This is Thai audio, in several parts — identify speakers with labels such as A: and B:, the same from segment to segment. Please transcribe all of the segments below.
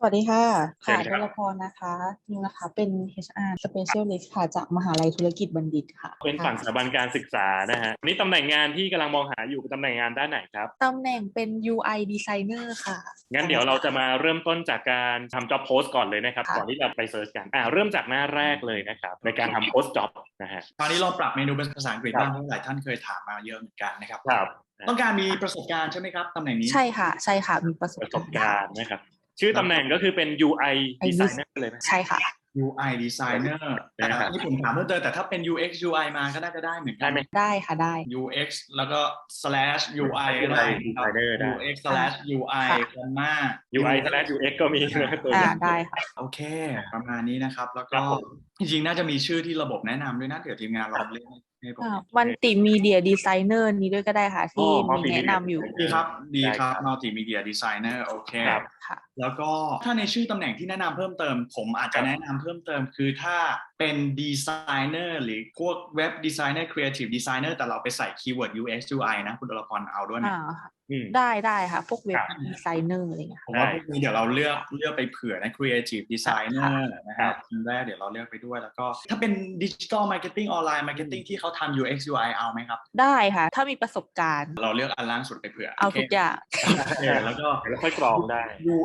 A: วัสดีค่ะ
B: เชิญครับ
A: ดลพรนะคะนิวนะคะเป็น HR Specialist ค่ะจากมหาลัยธุรกิจบัณฑิตค่ะ
B: เป็นฝั่งสถาบันการศึกษานะฮะนี่ตำแหน่งงานที่กำลังมองหาอยู่เป็นตำแหน่งงานด้านไหนครับ
A: ตำแหน่งเป็น UI Designer ค่ะ
B: งั้นเดี๋ยวเราจะมาเริ่มต้นจากการทำ job post ก่อนเลยนะครับก่อนที่
A: ค่ะ
B: เราไปเซิร์ชกันเริ่มจากหน้าแรกเลยนะครับในการทำ post job นะฮะ
C: คราวนี้ลองปรับเมนูเป็นภาษาอังกฤษ
B: ครับ
C: บ้างเพราะหลายท่านเคยถามมาเยอะเหมือนกันนะครับ
B: ครับ
C: ต้องการมีประสบการณ์ใช่ไหมครับตำแหน่งนี้
A: ใช่ค่ะใช่ค่ะมีประส
B: ประสบ
A: บการณ์
B: การณ์นะครับชื่อตำแหน่งก็คือเป็น UI
A: ไอ้
B: designer เลยไหม
A: ใช่ค่ะ
C: UI designer แต่
B: นะครับ
C: ที่ผมถามเพิ่มเติมแต่ถ้าเป็น UX UI มาก็น่าจะได้เหมือนกั
B: ได้
C: น
B: ไหม
A: ได้ค่ะได้
C: UX แล้วก็ slash UI ก็ได้ครับ
B: designer ได้
C: UX slash UI
A: ค่ะ
C: คอมมา
B: UI และ UX ก็มีนะตัวนี้
A: ได้ค่ะ
C: โอเคประมาณนี้นะครับแล้ว
B: ครั
C: ก็
B: บผม
C: จริงๆน่าจะมีชื่อที่ระบบแนะนำด้วยนะเดี๋ยวทีมงานลองเล่นให้ผม
A: มัลติมีเดียดีไซเนอร์นี้ด้วยก็ได้ค่ะที่มี
B: multimedia
A: แนะนำอยู่
C: ดีครับดีครับ
B: ได้ครับ
C: multimedia designer โอเค
B: ครับ
A: ค่ะ
C: แล้วก็ถ้าในชื่อตำแหน่งที่แนะนำเพิ่มเติมผมอาจจะแนะนำเพิ่มเติมคือถ้าเป็นดีไซเนอร์หรือพวกเว็บดีไซเนอร์ครีเอทีฟดีไซเนอร์แต่เราไปใส่คีย์เวิร์ด UX UI นะคุณดลพรเอาด้วยไหม
A: ค่ะ
B: อืม
A: ได้ค่ะ พวกเว็บ
B: ครับ
A: ดีไซเนอร์อะไรเงี้ย
C: ผมว่าพวกนี้เดี๋ยวเราเลือกไปเผื่อนะ Creative Designer นะค
B: ครั
C: รับบ ทีแรกเดี๋ยวเราเลือกไปด้วยแล้วก็ถ้าเป็น Digital Marketing Online Marketing ที่เขาทำ UX UI เอาไหมครับ
A: ได้ค่ะ ถ้ามีประสบการณ์
C: เราเลือกอันล่างสุดไปเผื่อ
A: เอาทุกอย่าง
C: โอเคแล้วก็
B: แล้วค่อยกรองได้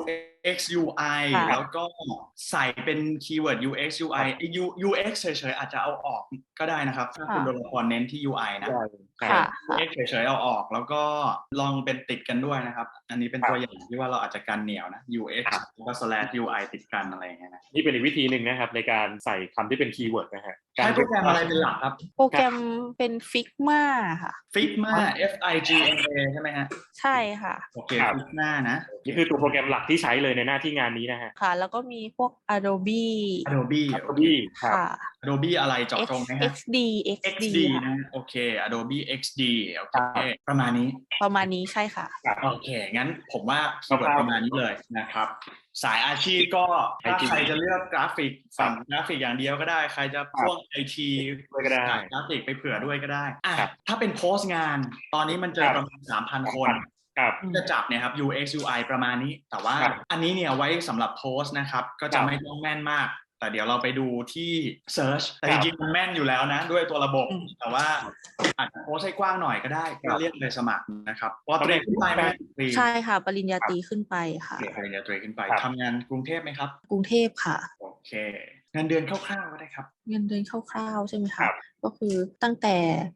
C: UX UI
A: ค่ะ
C: แล้วก็ใส่เป็นคีย์เวิร์ด UX UI UX เฉยๆอาจจะเอาออกก็ได้นะครับถ้าคุณดลพรเน้นที่ UI นะ
A: ค่ะ
C: UX เฉยๆเอาออกแล้วก็ลองเป็นติดกันด้วยนะครับ อันนี้เป็นตัวอย่างที่ว่าเราอาจจะกันเหนียวนะ UX แล้วก็ slash UI ติดกันอะไรอย่างเงี้ยนะ
B: นี่เป็นอีกวิธีหนึ่งนะครับในการใส่คำที่เป็นคีย์เวิร์ดนะฮะ
C: ใช้โปรแกรมอะไรเป็นหลักครับ
A: โปรแกรมเป็น Figma ค่ะ
C: Figma Figma ใช่ไหมฮะ
A: ใช่ค่ะ
C: โอเค Figma นะ
B: นี่คือตัวโปรแกรมหลักที่ใช้เลยในหน้าที่งานนี้นะฮะ
A: ค่ะ แล้วก็มีพวก Adobe
C: Adobe
B: Adobe ครับ
A: ค่ะ
C: Adobe อะไรเจาะจงไหมฮะ
A: XD
C: XD
A: ค่ะ
C: นะโอเค Adobe XD โอเคประมาณนี้
A: ประมาณนี้ใช่ค่ะ
C: โอเค งั้นผมว่าคีย์เวิร์ดประมาณนี้เลยนะครับ สายอาชีพก็ถ้าใครจะเลือกกราฟิกฝั่งกราฟิกอย่างเดียวก็ได้ ใครจะพ่วงไอที
B: ด้วยก็ได้
C: กราฟิกไปเผื่อด้วยก็ได้
B: ครับ
C: ถ้าเป็นโพสต์งาน ตอนนี้มันเจอประมาณ 3,000 คน
B: ครับ
C: จะจับเนี่ยครับ UX UI ประมาณนี้ แต่ว่า
B: ครับ
C: อันนี้เนี่ยไว้สำหรับโพสต์นะครับ ก็จะไม่ต้องแม่นมาก แต่เดี๋ยวเราไปดูที่ Search แต่จริงๆมันแม่นอยู่แล้วนะ ด้วยตัวระบบ แต่ว่าอาจจะโพสต์ให้กว้างหน่อยก็ได้ ก็เรียกเลยสมัครนะครับเพราะเตรียมขึ้นไปไหมฟรี
A: ใช่ค่ะ ปริญญาตรีขึ้นไปค่ะ
C: ปริญญาตรีขึ้นไป
B: ครับ
C: ทำงานกรุงเทพไหมครับ
A: กรุงเทพค่ะ
C: โอเคเงินเดือนคร่าวๆก็ได้ครับ
A: เงินเดือนคร่าวๆใช่ไหม
B: ครั
A: คะ
B: บ
A: ก็คือตั้งแต่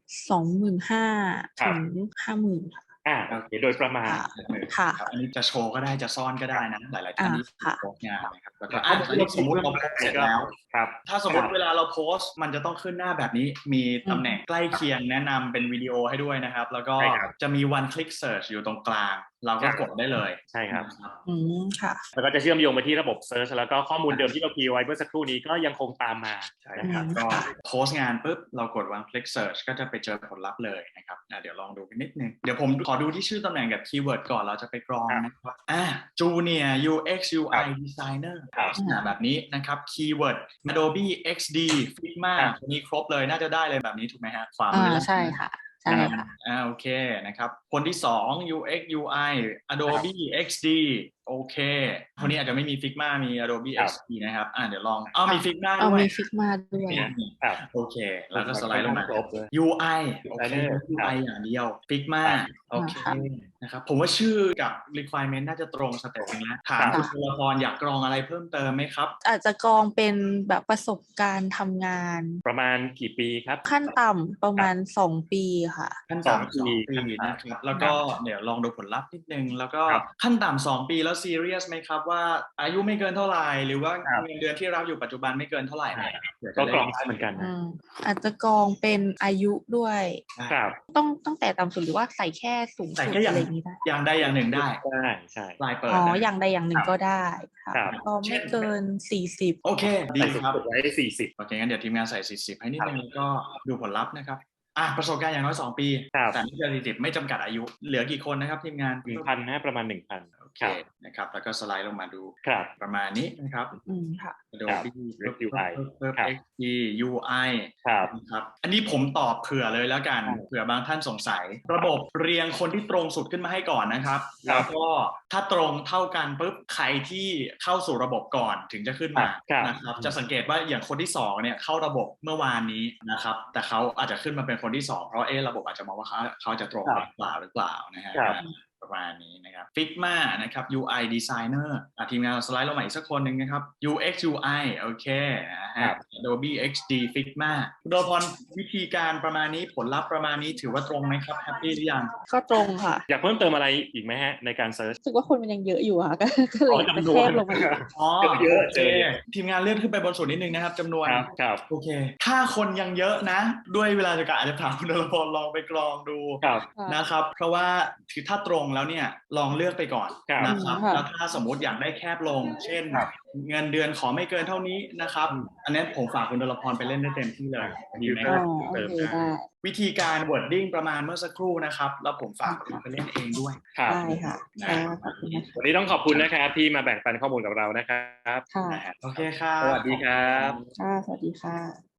A: 25,000 ถึง 50,000 ค่ะ
B: โอเคโดยประมาณ
A: ค่ะ
C: อันนี้จะโชว์ก็ได้จะซ่อนก็ได้นะ หลายๆท่านที่
A: ค่ะ
C: โพสต์งานนะครับแล้วก็อันนี้สมมติเราโพสต์เสร็จแล้ว
B: ครับ
C: ถ้าสมมติเวลาเราโพสต์มันจะต้องขึ้นหน้าแบบนี้ มีตำแหน่งใกล้เคียงแนะนำเป็นวิดีโอให้ด้วยนะครับ แล้วก็
B: ใช่ครับ
C: จะมี one click search อยู่ตรงกลาง เราก็กดได้เลย
B: ใช่ครับ
A: ค่ะ
B: แล้วก็จะเชื่อมโยงไปที่ระบบ Search แล้วก็ข้อมูลเดิมที่เราคีย์ไว้เมื่อสักครู่นี้ก็ยังคงตามมา
C: ใช่ครับ
A: อืม
C: ก็โพสต์งานปุ๊บเรากด one click search ก็จะไปเจอผลลัพธ์เลยนะครับเดี๋ยวลองดูกันนิดนึง เดี๋ยวผมขอดูที่ชื่อตำแหน่งกับคีย์เวิร์ดก่อนเราจะไปกรองนะครับJunior UX UI Designer
B: ครับ
C: ลักษณะแบบนี้นะครับคีย์เวิร์ด Adobe XD Figma
B: ครับ
C: มีครบเลยน่าจะได้เลยแบบนี้ถูกไหมฮะขวามือ
A: ใช่ค่ะ ใช่ค่ะ
C: โอเคนะครับคนที่2 UX UI Adobe XD โอเคคนนี้อาจจะไม่มี Figma มี Adobe
B: ครับ
C: XD นะครับเดี๋ยวลองมี Figma
A: เอา
C: ด้วย
A: มี Figma ด้วย
B: ครับ
C: โอเค แล้วก็สไลด์ลงมา
B: ครบเลย
C: UI โอเค
B: Designer
C: UI อย่างเดียว Figma โอเค
A: ครับ
C: นะครับผมว่าชื่อกับ requirement น่าจะตรงสเต็ปนึงแล้วถาม
B: ครับ
C: คุณตัวละครอยากกรองอะไรเพิ่มเติมไหมครับ
A: อาจจะกรองเป็นแบบประสบการณ์ทำงาน
B: ประมาณกี่ปีครับ
A: ขั้นต่ำประมาณ 2 ปีค่ะ
C: ขั้นต่ำ
B: 2
C: 2
B: ปี
C: ปีนะครับแล้วก็เดี๋ยวลองดูผลลัพธ์นิดนึงแล้วก็
B: ครับ
C: ขั้นต่ำ2 ปีแล้วซีเรียสไหมครับว่าอายุไม่เกินเท่าไหร่หรือว่า
B: ครับ
C: เงินเดือนที่รับอยู่ปัจจุบันไม่เกินเท่าไหร่เนี่ยเดี๋ยว
B: ก็
C: จะ
B: กร
C: ได้
B: องได้เหมือนกันนะ
A: อาจจะกรองเป็นอายุด้วย
B: ครับ
A: ต้องตั้งแต่ต่ำสุดหรือว่าใส่แค่สูง
C: ใส่
A: สุด
C: แค่อ
A: อะ
C: ย่าง
A: ไรอย่างนี้ได้
C: อย่างใดอย่างหนึ่งได้
B: ได้ใช่
C: ปลายเปิด
A: อ๋อ
C: นะ
A: อย่างใดอย่างหนึ่งก็ได้ค่ะ
B: ครับ
A: ก็ไม่เกิน 40
C: โอเคดี
B: ใส่สุด
C: ครับ
B: ไว้40
C: โอเคงั้นเดี๋ยวทีมงานใส่40ให้นิดนึงแล้วก็ดูผลลัพธ์นะครับประสบการณ์อย่างน้อย2 ปี
B: ครับ
C: แต่ไม่เกิน40ไม่จำกัดอายุเหลือกี่คนนะครับทีมงาน
B: 1,000 นะประมาณ 1,000
C: โอเคนะครับแล้วก็สไลด์ลงมาดู
B: ครับ
C: ประมาณนี้นะครับ
A: ค่ะ
C: Adobe
B: UI ครับ
C: XD UI
B: ครับ
C: นะครับอันนี้ผมตอบเผื่อเลยแล้วกันเผื่อบางท่านสงสัย ระบบเรียงคนที่ตรงสุดขึ้นมาให้ก่อนนะครับ
B: ครั
C: แล้
B: บ
C: วก็ถ้าตรงเท่ากันปุ๊บใครที่เข้าสู่ระบบก่อนถึงจะขึ้นมา
B: ครับ
C: นะครับจะสังเกตว่าอย่างคนที่2เนี่ยเข้าระบบเมื่อวานนี้นะครับแต่เขาอาจจะขึ้นมาเป็นคนที่2เพราะระบบอาจจะมองว่าเขาจะตรงหรือเปล่านะฮะ
B: ครับ
C: ประมาณนี้นะครับ Figma นะครับ UI Designer ทีมงานสไลด์ลงมาอีกสักคนหนึ่งนะครับ UX UI โอเคนะฮะ Adobe XD Figma คุณโดพรวิธีการประมาณนี้ผลลัพธ์ประมาณนี้ถือว่าตรงไหมครับแฮปปี้หรือยัง
A: ก็ตรงค่ะ
B: อยากเพิ่มเติมอะไรอีกไหมฮะในการเซิร์ช
A: รู้สึกว่าคนมันยังเยอะอยู่ค่ะ ก็เลย
B: จำน
A: แค
B: วน
A: บลงมาอีก
C: อ๋อ
B: เยอะ
C: โอเคทีมงานเลื่อนขึ้นไปบนสุดนิดนึงนะครับจำนวน
B: ครับ
C: โอเค ถ้าคนยังเยอะนะ ด้วยเวลาจำกัดอาจจะถามคุณดลพรลองไปกรองดู
B: ครับ
C: นะครับ เพราะว่าถือถ้าตรงแล้วเนี่ยลองเลือกไปก่อน
B: ครับ
C: นะครับ
A: ค่ะ
C: แล้วถ้าสมมุติอยากได้แคบลง เช่น
B: ครับ
C: เงินเดือนขอไม่เกินเท่านี้นะครับ อันนี้ผมฝากคุณดลพรไปเล่นได้เต็มที่เลยดีไหม
A: อ๋
C: ค
A: อ
C: รับ
A: โอเคได้
C: วิธีการ wording ประมาณเมื่อสักครู่นะครับ แล้วผมฝากคุณไปเล่นเองด้วย
B: ครับ
A: ได้ค่ะขอบคุณนะคะ
B: วันนี้ต้องขอบคุณนะครับที่มาแบ่งปันข้อมูลกับเรานะครับ
A: ค่ะ
C: นะฮะโอเคครับ
B: สวัสดีครับ
A: ค่ะ สวัสดีค่ะ